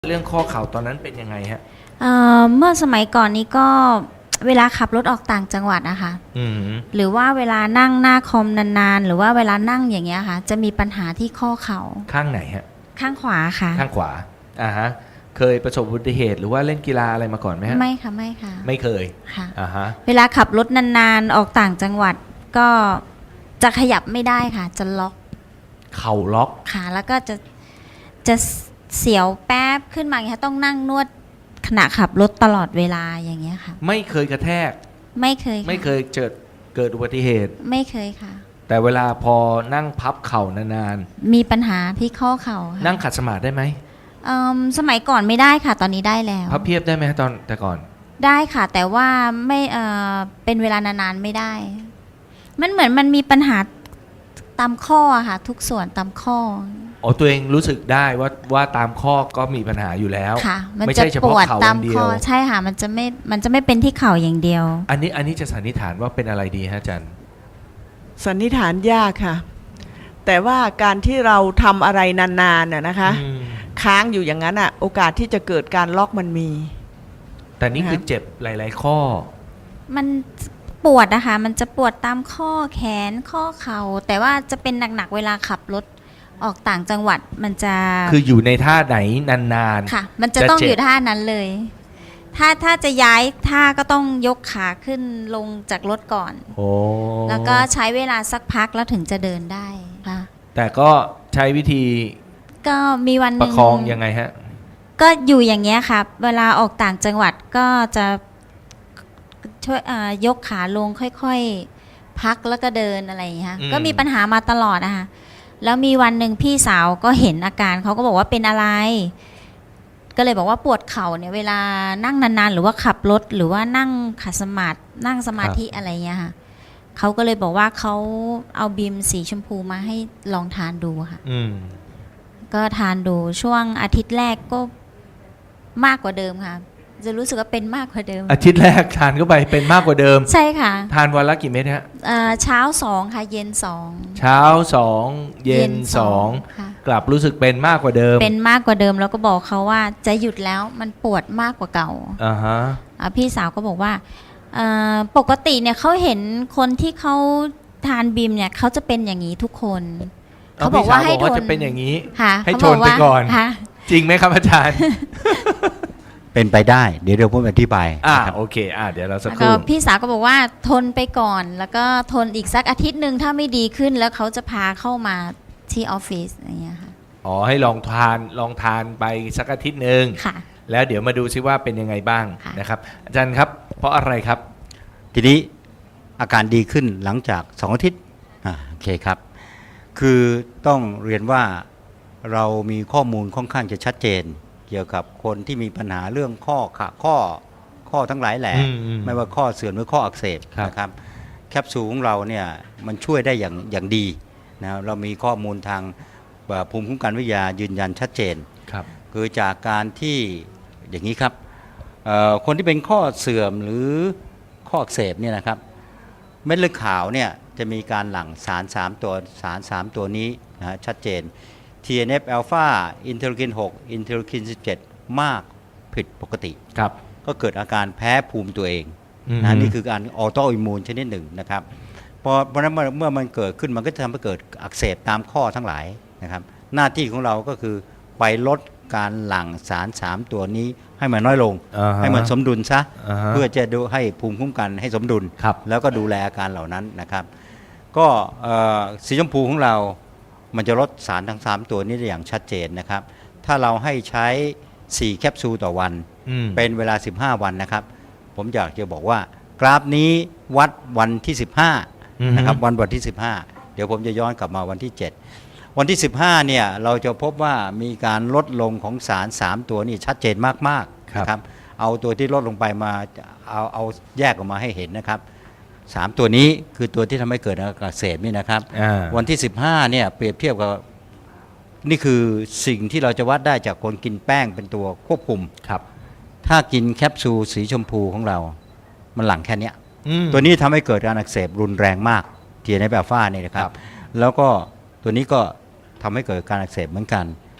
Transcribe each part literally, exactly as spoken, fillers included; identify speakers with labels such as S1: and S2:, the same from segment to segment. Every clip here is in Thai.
S1: เรื่องข้อเข่าตอนนั้นเป็นยังไงฮะ
S2: เอ่อเมื่อสมัยก่อนนี้ก็เวลาขับรถออกต่างจังหวัดอะค่ะ
S1: อืม
S2: หรือว่าเวลานั่งหน้าคอมนานๆหรือว่าเวลานั่งอย่างเงี้ยค่ะจะมีปัญหาที่ข้อเข่า
S1: ข้างไหนฮะ
S2: ข้างขวาค่ะ
S1: ข้างขวาอ่าฮะเคยประสบอุบัติเหตุหรือว่าเล่นกีฬาอะไรมาก่อนไหมฮะ
S2: ไม่ค่ะไม่ค่ะ
S1: ไม่เคย
S2: ค่ะ
S1: อ่าฮะ
S2: เวลาขับรถนานๆออกต่างจังหวัดก็จะขยับไม่ได้ค่ะจะล็อก
S1: เข่าล็อก
S2: ค่ะแล้วก็จะจะเสียวแป๊บขึ้นมาอย่างเงี้ยต้องนั่งนวดขณะขับรถตลอดเวลาอย่างเงี้ยค่ะ
S1: ไม่เคยกระแทก
S2: ไม่เคย
S1: ไม่เคยเกิดเกิดอุบัติเหตุ
S2: ไม่เคยค่ะ
S1: แต่เวลาพอนั่งพับเข่านาน
S2: ๆมีปัญหาที่ข้อเข่าค่ะ
S1: นั่งขัดสมาธิได้ไหม
S2: สมัยก่อนไม่ได้ค่ะตอนนี้ได้แล้ว
S1: พับเพียบได้ไหมตอนแต่ก่อน
S2: ได้ค่ะแต่ว่าไม่เอ่อเป็นเวลานานๆไม่ได้มันเหมือนมันมีปัญหาตามข้อค่ะทุกส่วนตามข้อ
S1: อ๋อตัวเองรู้สึกได้ว่าว่าตามข้อก็มีปัญหาอยู่แล้ว
S2: ค่ะมัน
S1: ไม่
S2: จะ
S1: ใช่เฉ
S2: ป
S1: พาะ
S2: วด
S1: เข่าอ
S2: ตาม
S1: ย่างเดี
S2: ข้
S1: ย
S2: อ
S1: ว
S2: ใช่ค่ะมันจะไม่มันจะไม่เป็นที่เข่าอย่างเดียว
S1: อันนี้อันนี้จะสันนิษฐานว่าเป็นอะไรดีฮะอาจารย์
S3: สันนิษฐานยากค่ะแต่ว่าการที่เราทำอะไรนานๆน่ะนะคะค้างอยู่อย่างนั้นอ่ะโอกาสที่จะเกิดการล็อกมันมี
S1: แต่นี่คือเจ็บหลายๆข้อ
S2: มันปวดนะคะมันจะปวดตามข้อแขนข้อเข่าแต่ว่าจะเป็นหนักๆเวลาขับรถออกต่างจังหวัดมันจะ
S1: คืออยู่ในท่าไหนนาน
S2: ๆค่ะมันจะต้องอยู่ท่านั้นเลยถ้าถ้าจะย้ายท่าก็ต้องยกขาขึ้นลงจากรถก่อน
S1: โอ้
S2: แล้วก็ใช้เวลาสักพักแล้วถึงจะเดินได้ค่ะ
S1: แต่ก็ใช้วิธี
S2: ก็มีวัน
S1: ประคองยังไงฮะ
S2: ก็อยู่อย่างเงี้ยค่ะเวลาออกต่างจังหวัดก็จะช่วยยกขาลงค่อยๆพักแล้วก็เดินอะไรอย่างเงี้ยก็มีปัญหามาตลอดนะคะแล้วมีวันหนึ่งพี่สาวก็เห็นอาการเขาก็บอกว่าเป็นอะไรก็เลยบอกว่าปวดเข่าเนี่ยเวลานั่งนานๆหรือว่าขับรถหรือว่านั่งขัดสมาธินั่งสมาธิอะไรเงี้ยค่ะเขาก็เลยบอกว่าเขาเอาบีมสีชมพูมาให้ลองทานดูค่ะก็ทานดูช่วงอาทิตย์แรกก็มากกว่าเดิมค่ะจะรู้สึกว่าเป็นมากกว่าเดิม
S1: อาทิตย์แรกทานเข้าไปเป็นมากกว่าเดิม
S2: ใช่ค่ะ
S1: ทานวันละกี่เม็ดฮะ
S2: เช้าสองค่ะเย็นสอง
S1: เช้าสองเย็นสองกลับรู้สึกเป็นมากกว่าเดิม
S2: เป็นมากกว่าเดิมแล้วก็บอกเขาว่าจะหยุดแล้วมันปวดมากกว่าเก่า
S1: อ่าฮะ
S2: พี่สาวก็บอกว่าปกติเนี่ยเขาเห็นคนที่เขาทานบีมเนี่ยเขาจะเป็นอย่างนี้ทุกคน
S1: เขาบอกว่าให้ทนจะเป็นอย่างนี้ให้ทนไปก่อนจริงไหมครับอาจารย์
S4: เป็นไปได้เดี๋ยวเดี๋ยวผมอธิบาย
S1: อ่าโอเคอ่าเดี๋ยวเราสักครู่
S2: พี่สาวก็บอกว่าทนไปก่อนแล้วก็ทนอีกสักอาทิตย์หนึ่งถ้าไม่ดีขึ้นแล้วเขาจะพาเข้ามาที่ออฟฟิศอย่างเงี้ยค่ะ
S1: อ๋อให้ลองทานลองทานไปสักอาทิตย์หนึ่ง
S2: ค่ะ
S1: แล้วเดี๋ยวมาดูซิว่าเป็นยังไงบ้างนะครับอาจารย์ครับเพราะอะไรครับ
S4: ทีนี้อาการดีขึ้นหลังจากสองอาทิตย์อ่าโอเคครับคือต้องเรียนว่าเรามีข้อมูลค่อนข้างจะชัดเจนเกี่ยวกับคนที่มีปัญหาเรื่องข้อขาข้อข้อทั้งหลายแหละไม่ว่าข้อเสื่อมหรือข้ออักเสบนะครับแคปซูลของเราเนี่ยมันช่วยได้อย่างอย่างดีนะเรามีข้อมูลทางภูมิคุ้มกันวิทยายืนยันชัดเจน
S1: ครับ
S4: คือจากการที่อย่างนี้ครับคนที่เป็นข้อเสื่อมหรือข้ออักเสบเนี่ยนะครับเม็ดเลือดขาวเนี่ยจะมีการหลั่งสารสามตัวสารสามตัวนี้นะชัดเจน ที เอ็น เอฟ อัลฟา อินเทอร์คิน หก อินเทอร์คิน สิบเจ็ด มากผิดปกติ
S1: ครับ
S4: ก็เกิดอาการแพ้ภูมิตัวเองนะนี่คือการออโตอิมมูนชนิดหนึ่งนะครับเพราะเพราะนั้นเมื่อมันเกิดขึ้นมันก็จะทำให้เกิดอักเสบตามข้อทั้งหลายนะครับหน้าที่ของเราก็คือไปลดการหลั่งสารสามตัวนี้ให้มันน้อยลง
S1: uh-huh.
S4: ให้มันสมดุลซะ
S1: uh-huh.
S4: เพื่อจะดูให้ภูมิคุ้มกันให้สมดุลแล้วก็ดูแลอาการเหล่านั้นนะครับก็สีชมพูของเรามันจะลดสารทั้งสามตัวนี้ได้อย่างชัดเจนนะครับถ้าเราให้ใช้สี่แคปซูลต่อวันเป็นเวลาสิบห้าวันนะครับผมอยากจะบอกว่ากราฟนี้วัดวันที่สิบห้านะครับวันวันที่สิบห้าเดี๋ยวผมจะย้อนกลับมาวันที่เจ็ดวันที่สิบห้าเนี่ยเราจะพบว่ามีการลดลงของสารสามตัวนี่ชัดเจนมากๆนะครับเอาตัวที่ลดลงไปมาเอาเอาแยกออกมาให้เห็นนะครับสามตัวนี้คือตัวที่ทำให้เกิดอาการอักเสบนี่นะครับวันที่สิบห้าเนี่ยเปรียบเทียบกับนี่คือสิ่งที่เราจะวัดได้จากคนกินแป้งเป็นตัวควบคุม
S1: ครับ
S4: ถ้ากินแคปซูลสีชมพูของเรามันหลั่งแค่นี้ตัวนี้ทำให้เกิดการอักเสบรุนแรงมากที เอ็น เอฟ อัลฟาเนี่ยนะครับแล้วก็ตัวนี้ก็ทำให้เกิดการอักเสบเหมือนกัน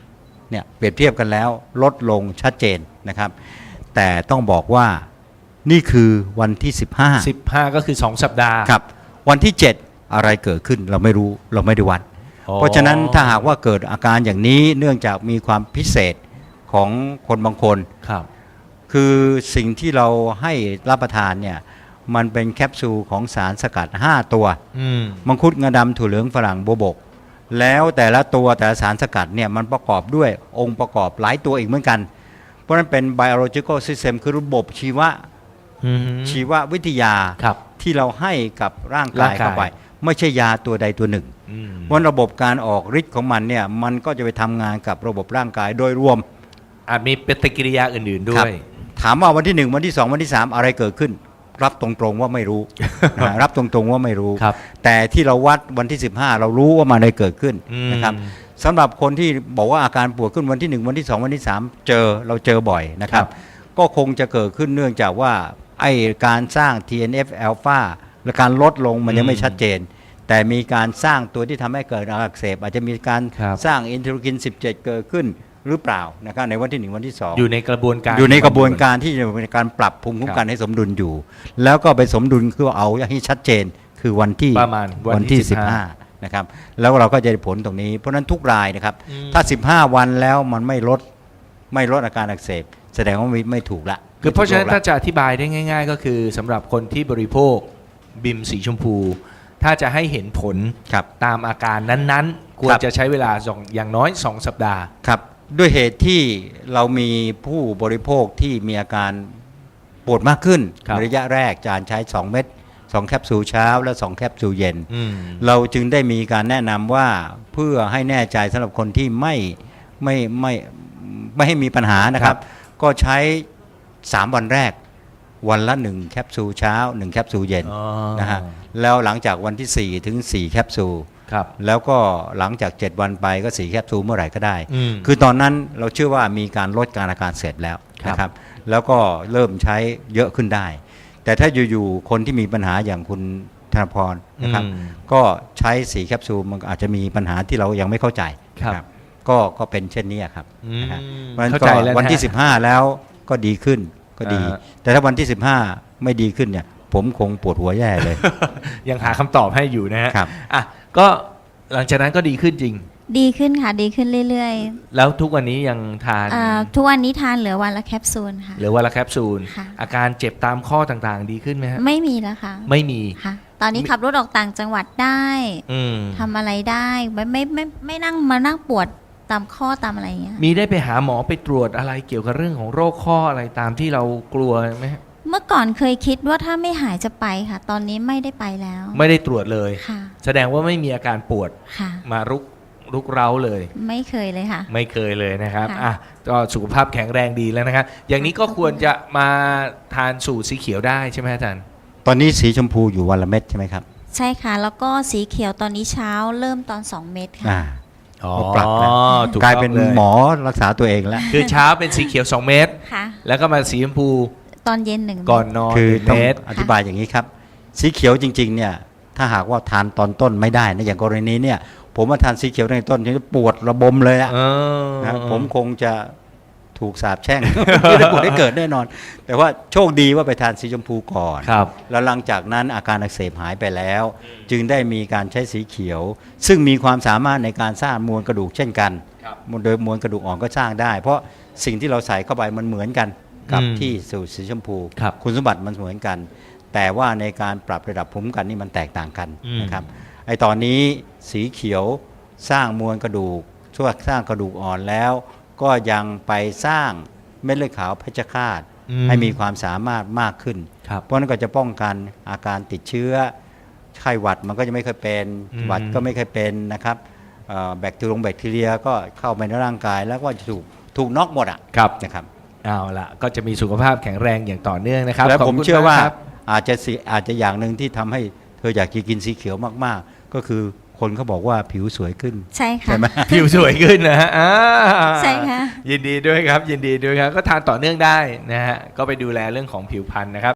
S4: เนี่ยเปรียบเทียบกันแล้วลดลงชัดเจนนะครับแต่ต้องบอกว่านี่คือวันที่สิบห้า
S1: สิบห้าก็คือสองสัปดาห์
S4: ครับวันที่เจ็ดอะไรเกิดขึ้นเราไม่รู้เราไม่ได้วัดเพราะฉะนั้นถ้าหากว่าเกิดอาการอย่างนี้เนื่องจากมีความพิเศษของคนบางคน
S1: ครับ
S4: คือสิ่งที่เราให้รับประทานเนี่ยมันเป็นแคปซูลของสารสกัดห้าตัวมังคุดงาดำถั่วเหลืองฝรั่งโบวบกแล้วแต่ละตัวแต่ละสารสกัดเนี่ยมันประกอบด้วยองค์ประกอบหลายตัวอีกเหมือนกันเพราะนั้นเป็น biological system คือระบบชีวะชีววิทยาที่เราให้กับร่างกายเข้าไปไม่ใช่ยาตัวใดตัวหนึ่งเพราะระบบการออกฤทธิ์ของมันเนี่ยมันก็จะไปทำงานกับระบบร่างกายโดยรวม
S1: อาจมีปฏิกิริยาอื่นๆด้วย
S4: ถามว่าวันที่หนึ่งวันที่สองวันที่สามอะไรเกิดขึ้นรับตรงๆว่าไม่รู้ นะรับตรงๆว่าไม่รู้แต่ที่เราวัดวันที่สิบห้าเรารู้ว่ามันอะไรเกิดขึ้นนะครับสำหรับคนที่บอกว่าอาการปวดขึ้นวันที่หนึ่งวันที่สองวันที่สามเจอเราเจอบ่อยนะครับก็คงจะเกิดขึ้นเนื่องจากว่าไอการสร้าง ที เอ็น เอฟ อลฟา และการลดลงมันยังไม่ชัดเจนแต่มีการสร้างตัวที่ทำให้เกิดอาการอักเสบอาจจะมีการสร้างอินเทอร์คินสิบเจ็ดเกิดขึ้นหรือเปล่านะครับในวันที่หนึ่งวันที่สอง
S1: อยู่ในกระบวนการ
S4: อยู่ในกระบวนการที่จะเป็นการปรับภูมิคุ้มกันให้สมดุลอยู่แล้วก็ไปสมดุลคือเอาให้ชัดเจนคือวันที่
S1: ประมาณ
S4: วันที่สิบห้านะครับแล้วเราก็จะได้ผลตรงนี้เพราะนั้นทุกรายนะครับถ้าสิบห้าวันแล้วมันไม่ลดไม่ลดอาการอักเสบแสดงว่าไม่ไม่ถูกละ
S1: คือเพราะฉะนั้นถ้าจะอธิบายได้ง่ายๆก็คือสำหรับคนที่บริโภคบิมสีชมพูถ้าจะให้เห็นผลตามอาการนั้นๆควรจะใช้เวลาอย่างน้อยสองสัปดาห์
S4: ครับด้วยเหตุที่เรามีผู้บริโภคที่มีอาการปวดมากขึ้นระยะแรกจานใช้สองเม็ดสองแคปซูลเช้าและสองแคปซูลเย็นเราจึงได้มีการแนะนำว่าเพื่อให้แน่ใจสำหรับคนที่ไม่ไม่ไม่ไม่ให้มีปัญหานะครับก็ใช้สามวันแรกวันละหนึ่งแคปซูลเช้าหนึ่งแคปซูลเย็นนะฮะแล้วหลังจากวันที่สี่ถึงสี่แคปซูลแล้วก็หลังจากเจ็ดวันไปก็สี่แคปซูลเมื่อไหร่ก็ได้คือตอนนั้นเราเชื่อว่ามีการลดการอาการเสพแล้วนะครับแล้วก็เริ่มใช้เยอะขึ้นได้แต่ถ้าอยู่ๆคนที่มีปัญหาอย่างคุณธนพรนะครับก็ใช้สี่แคปซูลมันอาจจะมีปัญหาที่เรายังไม่เข้าใจครับก็ก็เป็นเช่นนี้ครับเข้าใจแล้ววันที่สิบห้าแล้วก็ดีขึ้นก็ดีแต่ถ้าวันที่สิบห้าไม่ดีขึ้นเนี่ยผมคงปวดหัวแย่เลย
S1: ยังหาคำตอบให้อยู่นะฮะอ่ะก็หลังจากนั้นก็ดีขึ้นจริง
S2: ดีขึ้นค่ะดีขึ้นเรื่อย
S1: ๆแล้วทุกวันนี้ยังทาน
S2: ทุกวันนี้ทานเหลือวันละแคปซูลค่ะ
S1: เหลือวันละแคปซูลอาการเจ็บตามข้อต่างๆดีขึ้นไหมฮะ
S2: ไม่มีแล้วค่ะ
S1: ไม่มี
S2: ค่ะตอนนี้ขับรถออกต่างจังหวัดได้ทำอะไรได้ไม่ไม่ไม่ไม่นั่งมานั่งปวดตามข้อตามอะไรอย่างเงี้ย
S1: มีได้ไปหาหมอไปตรวจอะไรเกี่ยวกับเรื่องของโรคข้ออะไรตามที่เรากลัวไหม
S2: เมื่อก่อนเคยคิดว่าถ้าไม่หายจะไปค่ะตอนนี้ไม่ได้ไปแล้ว
S1: ไม่ได้ตรวจเลยแสดงว่าไม่มีอาการปวดมารุกรุกเร้าเลย
S2: ไม่เคยเลยค่ะ
S1: ไม่เคยเลยนะครับอ่ะก็สุขภาพแข็งแรงดีแล้วนะครับอย่างนี้ก็ควรจะมาทานสูตรสีเขียวได้ใช่ไหมอาจารย์
S4: ตอนนี้สีชมพูอยู่วันละเม็ดใช่ไหมครับ
S2: ใช่ค่ะแล้วก็สีเขียวตอนนี้เช้าเริ่มตอนสองเม็ดค่ะ
S4: ก็ปรับแล้วกลายเป็นหมอรักษาตัวเองแล้ว
S1: คือเช้าเป็นสีเขียวสองเม็ดแล้วก็มาสีชมพู
S2: ตอนเย็นหนึ่ง
S1: ก่อนนอน
S4: คือต้องอธิบายอย่างนี้ครับสีเขียวจริงๆเนี่ยถ้าหากว่าทานตอนต้นไม่ได้นะอย่างกรณีเนี่ยผมมาทานสีเขียวในต้นจะปวดระบมเลยอะนะผมคงจะถูกสาปแช่งไม่ได้ปวดได้เกิดแน่นอนแต่ว่าโชคดีว่าไปทานสีชมพูก่อนแล้วหลังจากนั้นอาการอักเสบหายไปแล้วจึงได้มีการใช้สีเขียวซึ่งมีความสามารถในการสร้างมวลกระดูกเช่นกันโดยมวลกระดูกอ่อนก็สร้างได้เพราะสิ่งที่เราใส่เข้าไปมันเหมือนกันกับที่สูตรสีชมพูคุณสมบัติมันเหมือนกันแต่ว่าในการปรับระดับภูมิคุ้มกันนี่มันแตกต่างกันนะครับไอตอนนี้สีเขียวสร้างมวลกระดูกช่วยสร้างกระดูกอ่อนแล้วก็ยังไปสร้างเม็ดเลือดขาวเพชฌฆาตให้มีความสามารถมากขึ้นเพราะนั้นก็จะป้องกันอาการติดเชื้อไข้หวัดมันก็จะไม่เคยเป็นหวัดก็ไม่เคยเป็นนะครับแบคทีเรียแบคทีเรียก็เข้าไปในร่างกายแล้วก็จะถูกถูกน็อกหมดอ่ะนะครับ
S1: เอาละก็จะมีสุขภาพแข็งแรงอย่างต่อเนื่องนะครับ
S4: แล้วผมเชื่อว่าอาจจะอาจจะอย่างหนึ่งที่ทำให้เธออยากกินสีเขียวมากๆก็คือคนเขาบอกว่าผิวสวยขึ้น
S2: ใช่ค่ะ
S1: ใช่ไหมผิวสวยขึ้นนะฮะ
S2: ใช่ค่ะ
S1: ยินดีด้วยครับยินดีด้วยครับก็ทานต่อเนื่องได้นะฮะก็ไปดูแลเรื่องของผิวพรรณนะครับ